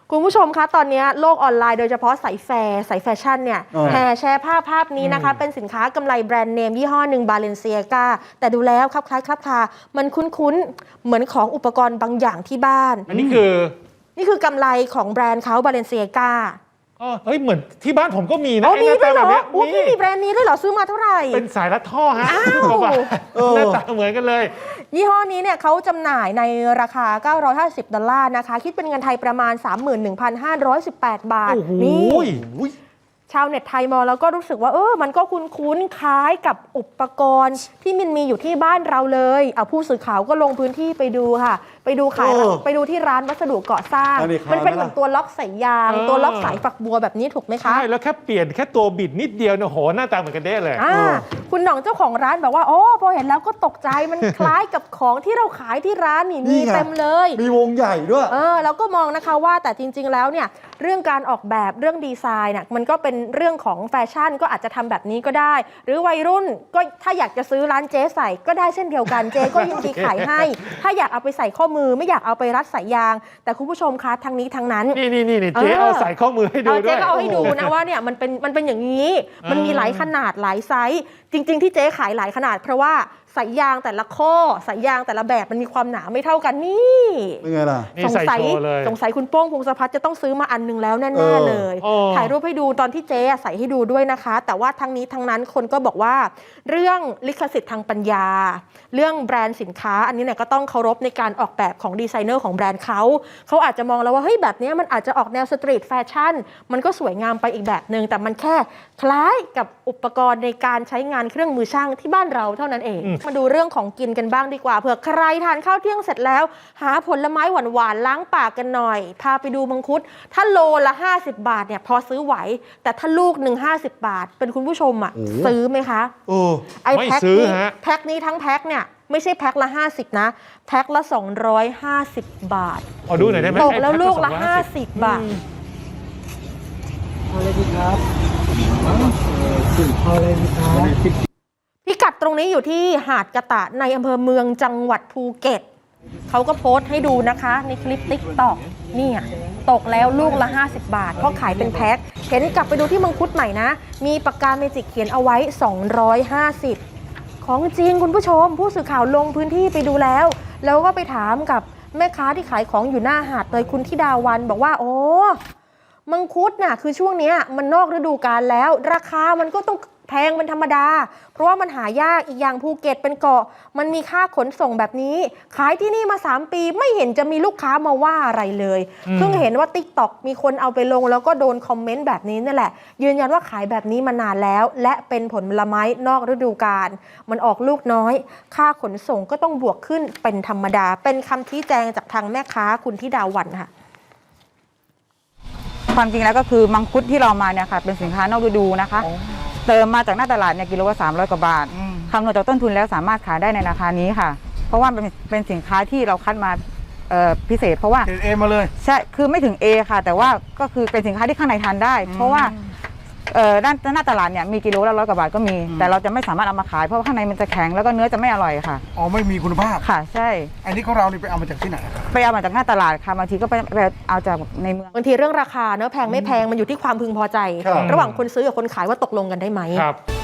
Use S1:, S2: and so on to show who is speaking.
S1: คุณผู้ชมคะตอนนี้โลกออนไลน์โดยเฉพาะสายแฟชั่นเนี่ยแห่แชร์ภาพนี้นะคะเป็นสินค้ากำไรแบรนด์เนมยี่ห้อหนึ่งบาเลนเซียกาแต่ดูแล้วคล้ายคามันคุ้นๆเหมือนของอุปกรณ์บางอย่างที่บ้าน
S2: อันนี้คือก
S1: ำไรของแบรนด์เขาบาเลนเซียกา
S2: เฮ้ยเหมือนที่บ้านผมก็มีนะ
S1: มีด้วยเหรอพี่มีแบรนด์นี้ด้วยเหรอซื้อมาเท่าไหร่
S2: เป็นสายรัดท่อฮะหน้าตาเหมือนกันเลย
S1: ยี่ห้อนี้เนี่ยเขาจำหน่ายในราคา$950นะคะคิดเป็นเงินไทยประมาณ 31,518 บาทนี่ชาวเน็ตไทยมองแล้วก็รู้สึกว่ามันก็คุ้นคล้ายกับอุปกรณ์ที่มันมีอยู่ที่บ้านเราเลยผู้สื่อข่าวก็ลงพื้นที่ไปดูค่ะไปดูที่ร้านวัสดุก่อสร้างมันเป็นเหมือนตัวล็อกสายยางตัวล็อกสายฝักบัวแบบนี้ถูกไหมคะ
S2: ใช่แล้วแค่เปลี่ยนแค่ตัวบิดนิดเดียวเนี่ยโหหน้าตาเหมือนกันเด้เลย
S1: คุณหน่องเจ้าของร้านบอกว่าพอเห็นแล้วก็ตกใจมันคล้ายกับของที่เราขายที่ร้านนี่มีเต็มเลย
S3: มีวงใหญ่ด้วย
S1: แล้วก็มองนะคะว่าแต่จริงๆแล้วเนี่ยเรื่องการออกแบบเรื่องดีไซน์เนี่ยมันก็เป็นเรื่องของแฟชั่นก็อาจจะทำแบบนี้ก็ได้หรือวัยรุ่นก็ถ้าอยากจะซื้อร้านเจ๊ใส่ก็ได้เช่นเดียวกันเจ๊ก็ยินดีขายให้ถ้าอยากเอาไปใส่ข้อมือไม่อยากเอาไปรัดสายยางแต่คุณผู้ชมคะทั้งนี้ทั้งนั้น
S2: นี่เจ๊เอาใส่ข้อมือให้ดูด้วย
S1: เจ๊ก็เอาให้ดูนะว่าเนี่ยมันเป็นอย่างนี้มันมีหลายขนาดหลายไซส์จริงๆที่เจ๊ขายหลายขนาดเพราะว่าสายยางแต่ละข้อสายยางแต่ละแบบมันมีความหนาไม่เท่ากันนี่
S3: เป็นไงล่ะ
S1: สงสัยคุณโป้งพงศพัฒน์จะต้องซื้อมาอันนึงแล้วแน่ๆเลยถ่ายรูปให้ดูตอนที่เจ๊ใส่ให้ดูด้วยนะคะแต่ว่าทั้งนี้ทั้งนั้นคนก็บอกว่าเรื่องลิขสิทธิ์ทางปัญญาเรื่องแบรนด์สินค้าอันนี้เนี่ยก็ต้องเคารพในการออกแบบของดีไซเนอร์ของแบรนด์เขาอาจจะมองแล้วว่าเฮ้ยแบบนี้มันอาจจะออกแนวสตรีทแฟชั่นมันก็สวยงามไปอีกแบบนึงแต่มันแค่คล้ายกับอุปกรณ์ในการใช้งานเครื่องมือช่างที่บ้านเราเท่านั้นเองมาดูเรื่องของกินกันบ้างดีกว่าเผื่อใครทานข้าวเที่ยงเสร็จแล้วหาผลไม้หวานๆล้างปากกันหน่อยพาไปดูมังคุดถ้าโลละ50 บาทเนี่ยพอซื้อไหวแต่ถ้าลูกหนึ่ง50 บาทเป็นคุณผู้ชมซื้อไหมคะ
S2: ไอ้แ
S1: พ็คนี้ทั้งแพ็คเนี่ยไม่ใช่แพ็คละ50นะแพ็คละ250 บาท
S2: ขอดูหน่อยได้ไหม
S1: ตกแล้วลูกละ50 บาท
S3: อะไรดีครับอะไรดีครับ
S1: พิกัดตรงนี้อยู่ที่หาดกะตะในอำเภอเมืองจังหวัดภูเก็ตเขาก็โพสต์ให้ดูนะคะในคลิป TikTok นี่ตกแล้วลูกละ50 บาทเพราะขายเป็นแพ็คเห็นกลับไปดูที่มังคุดใหม่นะมีปากกาเมจิกเขียนเอาไว้250ของจริงคุณผู้ชมผู้สื่อข่าวลงพื้นที่ไปดูแล้วก็ไปถามกับแม่ค้าที่ขายของอยู่หน้าหาดเลยคุณธิดาวันบอกว่ามังคุดน่ะคือช่วงนี้มันนอกฤดูกาลแล้วราคามันก็ต้องแพงเป็นธรรมดาเพราะว่ามันหายากอีกอย่างภูเก็ตเป็นเกาะมันมีค่าขนส่งแบบนี้ขายที่นี่มา3 ปีไม่เห็นจะมีลูกค้ามาว่าอะไรเลยเพิ่งเห็นว่า TikTok มีคนเอาไปลงแล้วก็โดนคอมเมนต์แบบนี้นั่นแหละยืนยันว่าขายแบบนี้มานานแล้วและเป็นผลไม้นอกฤดูกาลมันออกลูกน้อยค่าขนส่งก็ต้องบวกขึ้นเป็นธรรมดาเป็นคำชี้แจงจากทางแม่ค้าคุณธิดาวันค่ะ
S4: ความจริงแล้วก็คือมังคุดที่เรามาเนี่ยค่ะเป็นสินค้านอกฤดูนะคะเติมมาจากหน้าตลาดเนี่ยกิโลละ300 กว่าบาทคำนวณจากต้นทุนแล้วสามารถขายได้ในราคานี้ค่ะเพราะว่าเป็นสินค้าที่เราคัดมาพิเศษเพราะว่า
S3: เอมาเลย
S4: ใช่คือไม่ถึง A ค่ะแต่ว่าก็คือเป็นสินค้าที่ข้างในทานได้เพราะว่าด้านหน้าตลาดเนี่ยมีกิโลละ100 กว่าบาทก็มีแต่เราจะไม่สามารถเอามาขายเพราะว่าข้างในมันจะแข็งแล้วก็เนื้อจะไม่อร่อยค่ะ
S3: ไม่มีคุณภาพ
S4: ค่ะใช่
S3: อันนี้ของเรานี่ไปเอามาจากที่ไหน
S4: ไปเอามาจากหน้าตลาดค่ะบางทีก็ไปเอาจากในเมือง
S1: บางทีเรื่องราคาเนื้อแพงไม่แพงมันอยู่ที่ความพึงพอใจระหว่างคนซื้อกับคนขายว่าตกลงกันได้ไหม
S2: ครับ